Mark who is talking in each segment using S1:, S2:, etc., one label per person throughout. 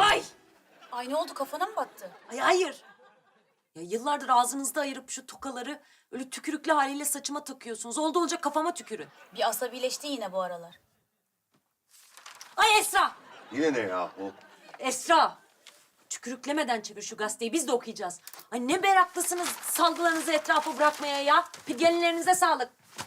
S1: Ay!
S2: Ay ne oldu, kafana mı battı?
S1: Ay hayır. Ya yıllardır ağzınızda ayırıp şu tokaları öyle tükürüklü haliyle saçıma takıyorsunuz. Oldu olacak kafama tükürün.
S2: Bir asabileşti yine bu aralar.
S1: Ay Esra!
S3: Yine ne yahu?
S1: Esra! Tükürüklemeden çevir şu gazeteyi, biz de okuyacağız. Ay ne meraklısınız salgılarınızı etrafa bırakmaya ya. Gelinlerinize sağlık.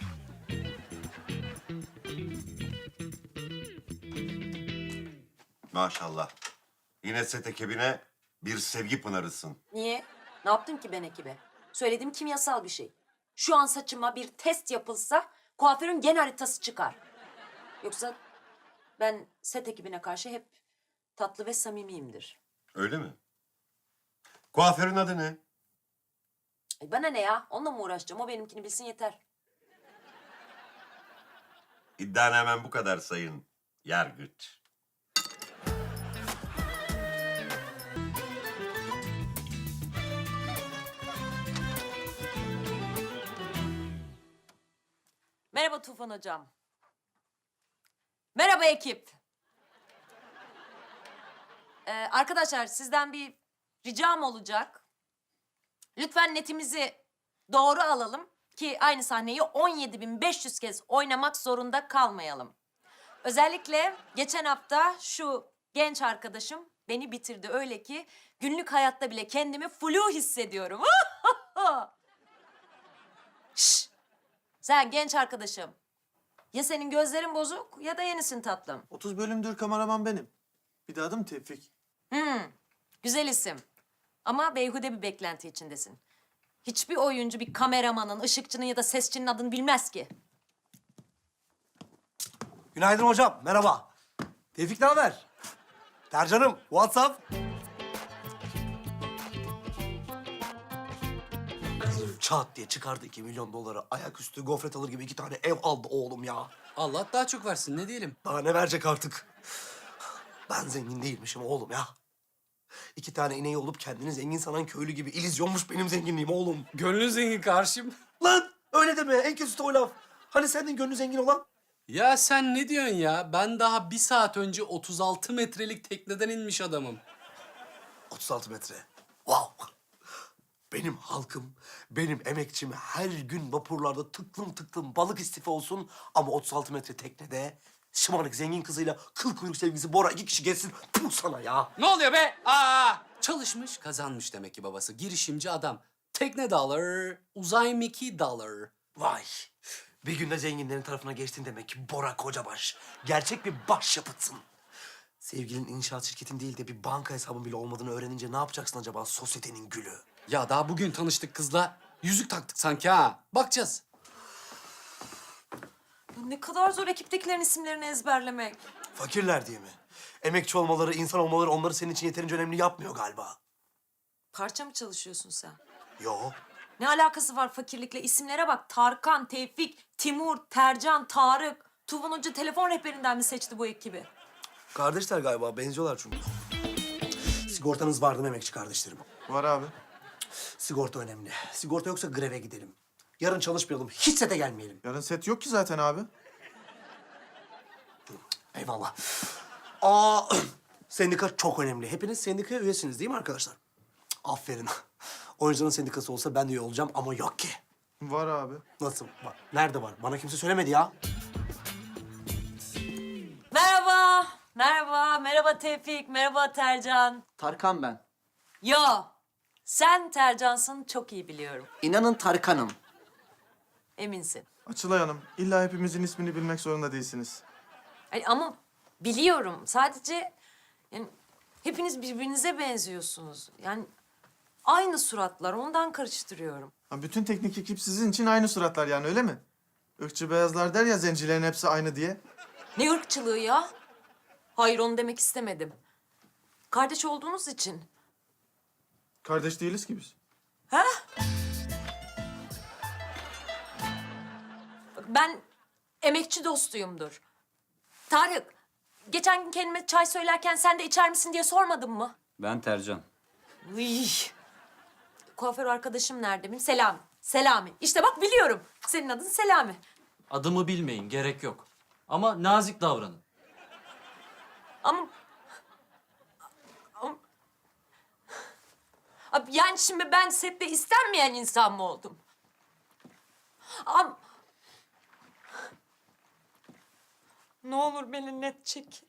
S3: Maşallah. Yine set ekibine bir sevgi pınarısın.
S1: Niye? Ne yaptım ki ben ekibe? Söylediğim kimyasal bir şey. Şu an saçıma bir test yapılsa kuaförün gen haritası çıkar. Yoksa ben set ekibine karşı hep tatlı ve samimiyimdir.
S3: Öyle mi? Kuaförün adı ne?
S1: Ay bana ne ya? Onunla mı uğraşacağım? O benimkini bilsin yeter.
S3: İddian hemen bu kadar sayın Yargıç.
S1: Merhaba Tufan Hocam. Merhaba ekip. Arkadaşlar sizden bir ricam olacak. Lütfen netimizi doğru alalım ki aynı sahneyi 17.500 kez oynamak zorunda kalmayalım. Özellikle geçen hafta şu genç arkadaşım beni bitirdi öyle ki günlük hayatta bile kendimi flu hissediyorum. Şş! Sen genç arkadaşım. Ya senin gözlerin bozuk ya da yenisin tatlım.
S4: 30 bölümdür kameraman benim. Bir de adım Tevfik.
S1: Güzel isim. Ama beyhude bir beklenti içindesin. Hiçbir oyuncu bir kameramanın, ışıkçının ya da sesçinin adını bilmez ki.
S4: Günaydın hocam, merhaba. Tevfik ne haber? Tercan'ım, WhatsApp. Çat diye çıkardı 2 milyon doları. Ayaküstü gofret alır gibi 2 tane ev aldı oğlum ya.
S5: Allah daha çok versin, ne diyelim.
S4: Daha ne verecek artık? Ben zengin değilmişim oğlum ya. 2 tane ineği olup kendini zengin sanan köylü gibi illüzyonmuş benim zenginliğim oğlum.
S5: Gönlün zengin karşım.
S4: Lan öyle deme, en kötüsü de o laf. Hani senin gönlü zengin olan?
S5: Ya sen ne diyorsun ya? Ben daha 1 saat önce 36 metrelik tekneden inmiş adamım.
S4: 36 metre. Wow. Benim halkım, benim emekçim her gün vapurlarda tıklım tıklım balık istifa olsun ama 36 metre teknede şımarık zengin kızıyla kıl kuyruk sevgilisi Bora 2 kişi geçsin. Puh sana ya.
S5: Ne oluyor be? Aa! Çalışmış, kazanmış demek ki babası. Girişimci adam. Tekne dollar, uzay Mickey dollar.
S4: Vay. Bir günde zenginlerin tarafına geçtin demek ki Bora Kocabaş. Gerçek bir başyapıtsın. Sevgilin inşaat şirketin değil de bir banka hesabın bile olmadığını öğrenince ne yapacaksın acaba sosyetenin gülü?
S5: Ya daha bugün tanıştık kızla. Yüzük taktık sanki ha. Bakacağız.
S1: Ya ne kadar zor ekiptekilerin isimlerini ezberlemek.
S4: Fakirler diye mi? Emekçi olmaları, insan olmaları onları senin için yeterince önemli yapmıyor galiba.
S1: Parça mı çalışıyorsun sen?
S4: Yo.
S1: Ne alakası var fakirlikle? İsimlere bak. Tarkan, Tevfik, Timur, Tercan, Tarık. Tufan Hoca telefon rehberinden mi seçti bu ekibi?
S4: Kardeşler galiba, benziyorlar çünkü. Sigortanız vardı mı emekçi kardeşlerim?
S6: Var abi.
S4: Sigorta önemli. Sigorta yoksa greve gidelim. Yarın çalışmayalım, hiç sete gelmeyelim.
S6: Yarın set yok ki zaten abi.
S4: Eyvallah. Aa, sendika çok önemli. Hepiniz sendikaya üyesiniz değil mi arkadaşlar? Aferin. Oyuncuların sendikası olsa ben de üye olacağım ama yok ki.
S6: Var abi.
S4: Nasıl? Nerede var? Bana kimse söylemedi ya.
S1: Merhaba. Merhaba. Merhaba Tevfik. Merhaba Tercan.
S7: Tarkan ben.
S1: Yo. Sen Tercansın, çok iyi biliyorum.
S7: İnanın Tarkan'ım.
S1: Eminsin.
S6: Açılay Hanım, illa hepimizin ismini bilmek zorunda değilsiniz.
S1: Ay, ama biliyorum. Sadece yani hepiniz birbirinize benziyorsunuz. Yani aynı suratlar. Ondan karıştırıyorum.
S6: Ha, bütün teknik ekip sizin için aynı suratlar yani öyle mi? Irkçı beyazlar der ya zencilerin hepsi aynı diye.
S1: Ne ırkçılığı ya? Hayır, onu demek istemedim. Kardeş olduğunuz için.
S6: Kardeş değiliz ki biz.
S1: Ha? Bak, ben emekçi dostuyumdur. Tarık, geçen gün kendime çay söylerken sen de içer misin diye sormadın mı?
S8: Ben Tercan.
S1: Uy. Kuaför arkadaşım nerede benim? Selami. Selami. İşte bak biliyorum. Senin adın Selami.
S8: Adımı bilmeyin, gerek yok. Ama nazik davranın.
S1: Ama Abi yani şimdi ben sette istenmeyen insan mı oldum? Ne olur beni net çekin.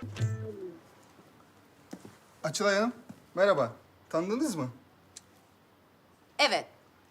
S7: Açılay Hanım, merhaba. Tanıdınız mı?
S1: Evet.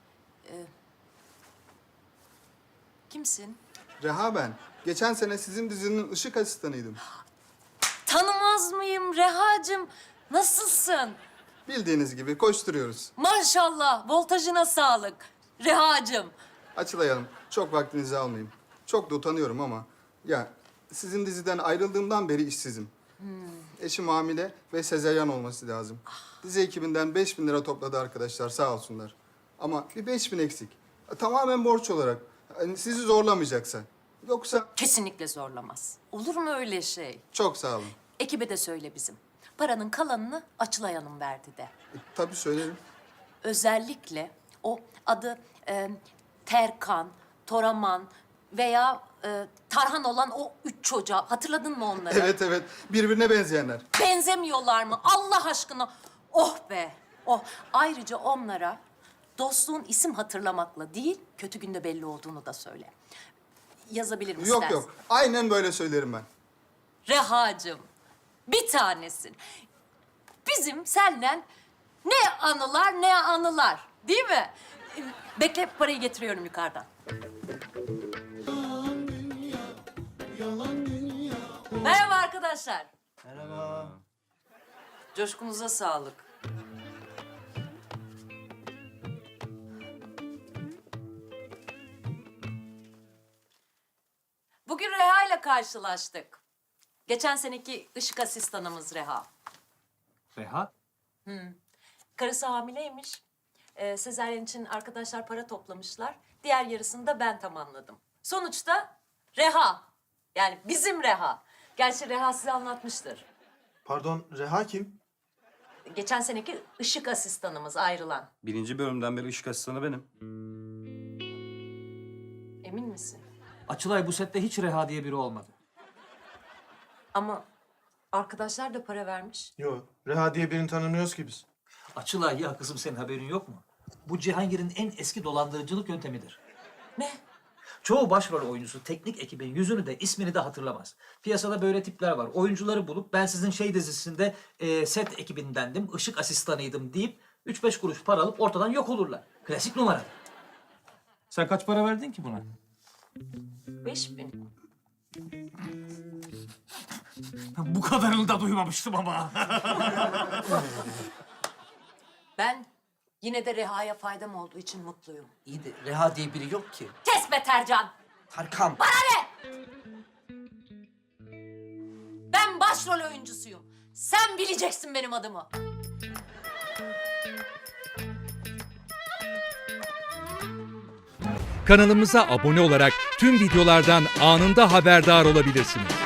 S1: Kimsin?
S7: Reha ben. Geçen sene sizin dizinin ışık asistanıydım.
S1: Tanımaz mıyım Reha'cığım? Nasılsın?
S7: Bildiğiniz gibi koşturuyoruz.
S1: Maşallah, voltajına sağlık. Reha'cığım.
S7: Açılay Hanım, çok vaktinizi almayayım. Çok da utanıyorum ama... Ya, sizin diziden ayrıldığımdan beri işsizim. Eşim hamile ve sezaryen olması lazım. Dizi ekibinden 5.000 lira topladı arkadaşlar, sağ olsunlar. Ama bir 5.000 eksik. Tamamen borç olarak. Hani sizi zorlamayacaksa. Yoksa
S1: Kesinlikle zorlamaz. Olur mu öyle şey?
S7: çok sağ olun.
S1: Ekibe de söyle bizim. Paranın kalanını Açılay Hanım verdi de.
S7: Tabii söylerim.
S1: Özellikle o adı Terkan, Toraman veya Tarhan olan o 3 çocuğa hatırladın mı onları?
S7: Evet evet, birbirine benzeyenler.
S1: Benzemiyorlar mı? Allah aşkına. Oh be. Oh. Ayrıca onlara dostluğun isim hatırlamakla değil, kötü günde belli olduğunu da söyle. Yazabilir misin?
S7: Yok yok, aynen böyle söylerim ben.
S1: Reha'cığım, bir tanesin. Bizim senden ne anılar ne anılar, değil mi? Bekle, parayı getiriyorum yukarıdan. Merhaba arkadaşlar.
S6: Merhaba.
S1: Coşkunuza sağlık. Bugün Reha ile karşılaştık. Geçen seneki ışık asistanımız Reha.
S8: Reha?
S1: Karısı hamileymiş. Sezaryen için arkadaşlar para toplamışlar. Diğer yarısını da ben tamamladım. Sonuçta Reha. Yani bizim Reha. Gerçi Reha size anlatmıştır.
S6: Pardon, Reha kim?
S1: Geçen seneki ışık asistanımız ayrılan.
S8: 1. bölümden beri ışık asistanı benim.
S1: Emin misin?
S9: Açılay bu sette hiç Reha diye biri olmadı.
S1: Ama arkadaşlar da para vermiş.
S6: Yok, Reha diye birini tanımıyoruz ki biz.
S9: Açılay ya kızım senin haberin yok mu? Bu Cihangir'in en eski dolandırıcılık yöntemidir.
S1: Ne?
S9: Çoğu başrol oyuncusu teknik ekibin yüzünü de ismini de hatırlamaz. Piyasada böyle tipler var. Oyuncuları bulup ben sizin şey dizisinde set ekibindendim, ışık asistanıydım deyip 3-5 kuruş para alıp ortadan yok olurlar. Klasik numara.
S8: Sen kaç para verdin ki buna?
S1: 5.000.
S9: Bu kadarını da duymamıştım ama.
S1: Ben yine de Reha'ya faydam olduğu için mutluyum.
S4: İyi de Reha diye biri yok ki.
S1: Kes be Tercan!
S4: Tarkan.
S1: Ben başrol oyuncusuyum. Sen bileceksin benim adımı.
S10: Kanalımıza abone olarak tüm videolardan anında haberdar olabilirsiniz.